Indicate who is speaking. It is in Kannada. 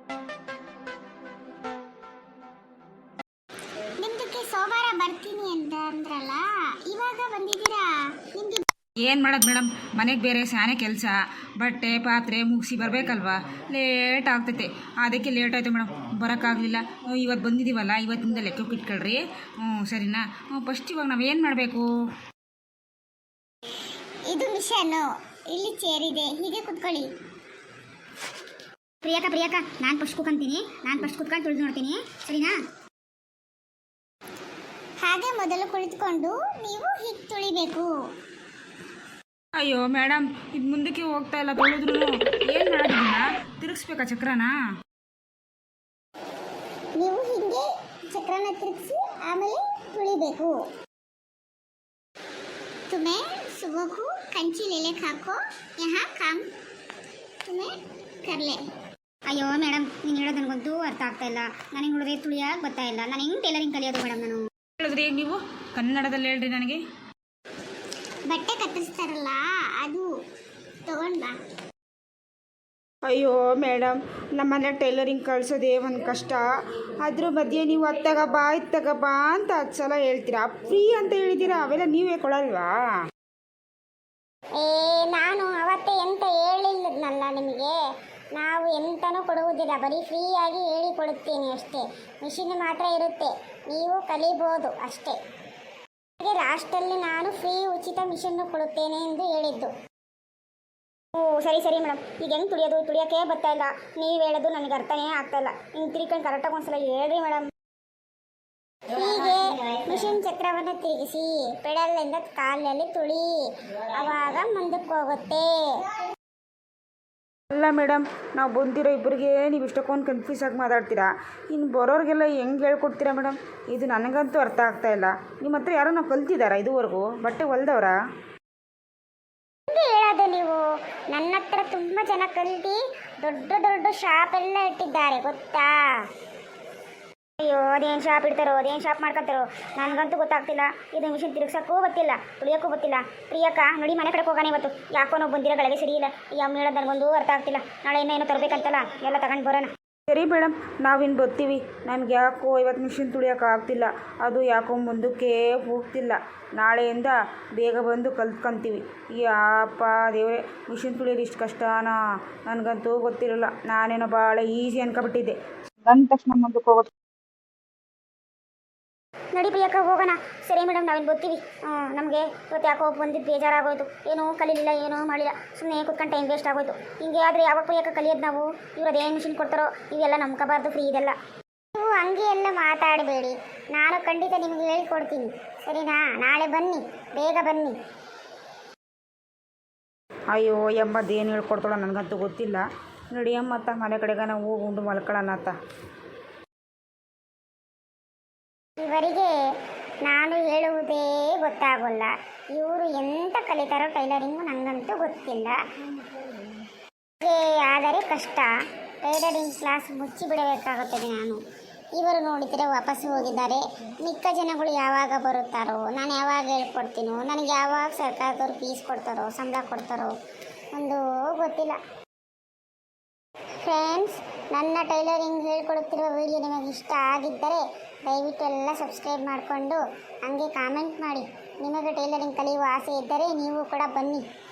Speaker 1: ನಿಮ್ದಕ್ಕೆ ಸೋಮವಾರ ಬರ್ತೀನಿ ಅಂತ ಅಂದ್ರಲ್ಲ, ಇವಾಗ ಬಂದಿದ್ದೀರಾ? ನಿಮ್ಗೆ
Speaker 2: ಏನು ಮಾಡೋದು ಮೇಡಮ್, ಮನೆಗೆ ಬೇರೆ ಸ್ಯಾನೆ ಕೆಲಸ, ಬಟ್ಟೆ ಪಾತ್ರೆ ಮುಗಿಸಿ ಬರಬೇಕಲ್ವಾ, ಲೇಟ್ ಆಗ್ತೈತೆ. ಅದಕ್ಕೆ ಲೇಟ್ ಆಯಿತು ಮೇಡಮ್, ಬರೋಕ್ಕಾಗಲಿಲ್ಲ. ಇವತ್ತು ಬಂದಿದ್ದೀವಲ್ಲ, ಇವತ್ತಿಂದ ಲೆಕ್ಕಕ್ಕೆ ಇಟ್ಕೊಳ್ರಿ. ಸರಿನಾ? ಫಸ್ಟ್ ಇವಾಗ ನಾವೇನು ಮಾಡಬೇಕು?
Speaker 1: ಇದು ಮಿಷನ್ನು, ಇಲ್ಲಿ ಚೇರಿದೆ, ಹೀಗೆ ಕುತ್ಕೊಳ್ಳಿ. ಪ್ರಿಯಾಕ ನಾನು ಫಸ್ಟ್ ಕುತ್ಕೊಂತೀನಿ, ನಾನು ಫಸ್ಟ್ ಕುತ್ಕೊಂಡು ತುಳಿದು ನೋಡ್ತೀನಿ, ಸರಿನಾ? ಹಾಗೆ ಮೊದಲು ಕುಳಿತುಕೊಂಡು ನೀವು ಹೀಗೆ ತುಳಿಬೇಕು.
Speaker 2: ಅಯ್ಯೋ ಮೇಡಮ್, ಇದು ಮುಂದಕ್ಕೆ ಹೋಗ್ತಾ ಇಲ್ಲ, ತೊಳೆದ್ರು ಏನು ಮಾಡೋದಿಲ್ಲ, ತಿರುಗಿಸ್ಬೇಕಾ ಚಕ್ರನ?
Speaker 1: ನೀವು ಹೀಗೆ ಚಕ್ರನ ತಿರುಗಿಸಿ ಆಮೇಲೆ ತುಳಿಬೇಕು. तुम्हें सुबह को कंची ले ले खाको, यहाँ काम तुम्हें कर ले. ಅಯ್ಯೋ ಮೇಡಮ್, ನೀನು ಹೇಳೋದು ನನಗಂತೂ ಅರ್ಥ ಆಗ್ತಾ ಇಲ್ಲ. ನನಗೆ ನೋಡಿದ್ರೆ ತುಳಿಯಾಗಿ ಬರ್ತಾ ಇಲ್ಲ. ನಾನು ಹೆಂಗೆ ಟೈಲರಿಂಗ್ ಕಲಿಯೋದು ಮೇಡಮ್? ನಾನು
Speaker 2: ಹೇಳಿದ್ರಿ ಈಗ ನೀವು ಕನ್ನಡದಲ್ಲಿ ಹೇಳ್ರಿ ನನಗೆ.
Speaker 1: ಬಟ್ಟೆ ಕತ್ತರಿಸ್ತಾರಲ್ಲ, ಅದು ತಗೊಂಡ್ ಬಾ.
Speaker 2: ಅಯ್ಯೋ ಮೇಡಮ್, ನಮ್ಮನೆ ಟೈಲರಿಂಗ್ ಕಳ್ಸೋದೇ ಒಂದು ಕಷ್ಟ. ಅದ್ರ ಮಧ್ಯೆ ನೀವು ಅತ್ತಾಗ ಬಾ ಇತ್ತಾಗ ಬಾ ಅಂತ 10 ಸಲ ಹೇಳ್ತೀರಾ. ಫ್ರೀ ಅಂತ ಹೇಳಿದ್ದೀರಾ, ಅವೆಲ್ಲ ನೀವೇ ಕೊಡಲ್ವಾ?
Speaker 1: ನಾನು ಅವತ್ತೇ ಎಂತ ಹೇಳಿಲ್ಲದ್ನಲ್ಲ ನಿಮಗೆ, ನಾವು ಎಂತನೂ ಕೊಡುವುದಿಲ್ಲ, ಬರೀ ಫ್ರೀಯಾಗಿ ಹೇಳಿಕೊಡುತ್ತೇನೆ ಅಷ್ಟೇ. ಮಿಷಿನ್ ಮಾತ್ರ ಇರುತ್ತೆ, ನೀವು ಕಲಿಬೋದು ಅಷ್ಟೇ. ಹಾಗೆ ಲಾಸ್ಟಲ್ಲಿ ನಾನು ಫ್ರೀ ಉಚಿತ ಮಿಷನ್ನು ಕೊಡುತ್ತೇನೆ ಎಂದು ಹೇಳಿದ್ದು. ಸರಿ ಮೇಡಮ್, ಈಗ ಹೆಂಗೆ ತುಳಿಯೋಕ್ಕೆ ಬರ್ತಾ ಇಲ್ಲ. ನೀವು ಹೇಳೋದು ನನಗೆ ಅರ್ಥನೇ ಆಗ್ತಾ ಇಲ್ಲ. ಹಿಂಗೆ ತಿರ್ಕೊಂಡು ಕರೆಕ್ಟಾಗಿ ಒಂದ್ಸಲ ಹೇಳ್ರಿ ಮೇಡಮ್. ಹೀಗೆ ಮಿಷಿನ್ ಚಕ್ರವನ್ನು ತಿರುಗಿಸಿ ಪೆಡಲಿಂದ ಕಾಲಲ್ಲಿ ತುಳಿ, ಆವಾಗ ಮುಂದಕ್ಕೆ ಹೋಗುತ್ತೆ.
Speaker 2: ಅಲ್ಲ ಮೇಡಮ್, ನಾವು ಬಂದಿರೋ ಇಬ್ಬರಿಗೆ ನೀವು ಇಷ್ಟಕ್ಕೊಂದು ಕನ್ಫ್ಯೂಸ್ ಆಗಿ ಮಾತಾಡ್ತೀರಾ. ಇನ್ನು ಬರೋರಿಗೆಲ್ಲ ಹೆಂಗೆ ಹೇಳ್ಕೊಡ್ತೀರಾ ಮೇಡಮ್? ಇದು ನನಗಂತೂ ಅರ್ಥ ಆಗ್ತಾ ಇಲ್ಲ. ನಿಮ್ಮ ಹತ್ರ ಯಾರೋ ನಾವು ಕಲ್ತಿದ್ದಾರಾ ಇದುವರೆಗೂ? ಬಟ್ಟೆ ಹೊಲ್ದವ್ರಾ?
Speaker 1: ಹೇಳೋದು ನೀವು, ನನ್ನ ಹತ್ರ ತುಂಬ ಜನ ಕಲ್ತು ದೊಡ್ಡ ಶಾಪ್ ಎಲ್ಲ ಇಟ್ಟಿದ್ದಾರೆ, ಗೊತ್ತಾ? ಅಯ್ಯೋ, ಅದೇನು ಶಾಪ್ ಇಡ್ತಾರೋ, ಅದೇನು ಶಾಪ್ ಮಾಡ್ಕೊತಾರೋ ನನಗಂತೂ ಗೊತ್ತಾಗ್ತಿಲ್ಲ. ಇದು ಮಿಷಿನ್ ತಿರುಗ್ಸೋಕ್ಕೂ ಗೊತ್ತಿಲ್ಲ, ತುಳಿಯೋಕ್ಕೂ ಗೊತ್ತಿಲ್ಲ. ಪ್ರಿಯಕ್ಕ ನೋಡಿ, ಮನೆ ಕಡೆಗೆ ಹೋಗೋಣ ಇವತ್ತು. ಯಾಕೋ ನಾವು ಬಂದಿರೋ ಗಳಿಗೆ ಸರಿ ಇಲ್ಲ. ಯಾವ ಹೇಳೋದು ನನಗೊಂದು ಅರ್ಥ ಆಗ್ತಿಲ್ಲ. ನಾಳೆ ಇನ್ನೇನು ತರಬೇಕಂತಲ್ಲ, ಎಲ್ಲ ತಗೊಂಡು ಬರೋಣ.
Speaker 2: ಸರಿ ಮೇಡಮ್, ನಾವಿನ್ನು ಬರ್ತೀವಿ. ನನಗೆ ಯಾಕೋ ಇವತ್ತು ಮಿಷಿನ್ ತುಳಿಯೋಕೆ ಆಗ್ತಿಲ್ಲ. ಅದು ಯಾಕೋ ಮುಂದಕ್ಕೆ ಹೋಗ್ತಿಲ್ಲ. ನಾಳೆಯಿಂದ ಬೇಗ ಬಂದು ಕಲ್ತ್ಕೊಂತೀವಿ. ಯಾಪ ದೇವ್ರೆ, ಮಿಷಿನ್ ತುಳಿಯೋದು ಇಷ್ಟು ಕಷ್ಟನಾ? ನನಗಂತೂ ಗೊತ್ತಿರಲ್ಲ. ನಾನೇನೋ ಭಾಳ ಈಸಿ ಅನ್ಕೊಬಿಟ್ಟಿದ್ದೆ. ನನ್ನ ತಕ್ಷಣ ಮುಂದಕ್ಕೆ ಹೋಗೋದು.
Speaker 1: ನಡಿ ಪ್ರಿಯಕ್ಕ, ಹೋಗೋಣ. ಸರಿ ಮೇಡಮ್, ನಾವಿನ್ನು ಬರ್ತೀವಿ. ನಮಗೆ ಇವತ್ತು ಯಾಕೋ ಬಂದಿದ್ದು ಬೇಜಾರಾಗೋಯ್ತು. ಏನೂ ಕಲೀಲಿಲ್ಲ, ಏನೂ ಮಾಡಿಲ್ಲ, ಸುಮ್ಮನೆ ಕೂತ್ಕೊಂಡು ಟೈಮ್ ವೇಸ್ಟ್ ಆಗೋಯ್ತು. ಹಿಂಗೆ ಆದರೆ ಯಾವಾಗ ಪ್ರಿಯಕ್ಕ ಕಲಿಯೋದು ನಾವು? ಇವ್ರು ಅದೇನು ಮಿಷಿನ್ ಕೊಡ್ತಾರೋ ಇವೆಲ್ಲ ನಂಬ್ಕೋಬಾರ್ದು, ಫ್ರೀ ಇದೆಲ್ಲ. ನೀವು ಹಂಗೆ ಎಲ್ಲ ಮಾತಾಡಬೇಡಿ, ನಾನು ಖಂಡಿತ ನಿಮಗೆ ಹೇಳ್ಕೊಡ್ತೀನಿ, ಸರಿನಾ? ನಾಳೆ ಬನ್ನಿ, ಬೇಗ ಬನ್ನಿ.
Speaker 2: ಅಯ್ಯೋ ಎಂಬದೇನು ಹೇಳ್ಕೊಡ್ತಾಳೋ ನನಗಂತೂ ಗೊತ್ತಿಲ್ಲ. ನೋಡಿ ಅಮ್ಮತ್ತ ಮನೆ ಕಡೆಗೆ ನಾವು ಹೋಗಿ ಉಂಡು ಮಲ್ಕೊಳ್ಳೋಣ ಅಂತ.
Speaker 1: ಇವರಿಗೆ ನಾನು ಹೇಳುವುದೇ ಗೊತ್ತಾಗೋಲ್ಲ. ಇವರು ಎಂತ ಕಲಿತಾರೋ ಟೈಲರಿಂಗು ನನಗಂತೂ ಗೊತ್ತಿಲ್ಲ. ಆದರೆ ಕಷ್ಟ. ಟೈಲರಿಂಗ್ ಕ್ಲಾಸ್ ಮುಚ್ಚಿ ಬಿಡಬೇಕಾಗುತ್ತದೆ ನಾನು. ಇವರು ನೋಡಿದರೆ ವಾಪಸ್ ಹೋಗಿದ್ದಾರೆ. ಮಿಕ್ಕ ಜನಗಳು ಯಾವಾಗ ಬರುತ್ತಾರೋ, ನಾನು ಯಾವಾಗ ಹೇಳ್ಕೊಡ್ತೀನೋ, ನನಗೆ ಯಾವಾಗ ಸರ್ಕಾರದವ್ರು ಫೀಸ್ ಕೊಡ್ತಾರೋ, ಸಂಬಳ ಕೊಡ್ತಾರೋ ಒಂದು ಗೊತ್ತಿಲ್ಲ. ಫ್ರೆಂಡ್ಸ್, ನನ್ನ ಟೈಲರಿಂಗ್ ಹೇಳ್ಕೊಡುತ್ತಿರುವ ವಿಡಿಯೋ ನಿಮಗೆ ಇಷ್ಟ ಆಗಿದ್ದರೆ ದಯವಿಟ್ಟು ಎಲ್ಲ ಸಬ್ಸ್ಕ್ರೈಬ್ ಮಾಡಿಕೊಂಡು ಹಂಗೆ ಕಾಮೆಂಟ್ ಮಾಡಿ. ನಿಮಗೆ ಟೈಲರಿಂಗ್ ಕಲಿಯುವ ಆಸೆ ಇದ್ದರೆ ನೀವು ಕೂಡ ಬನ್ನಿ.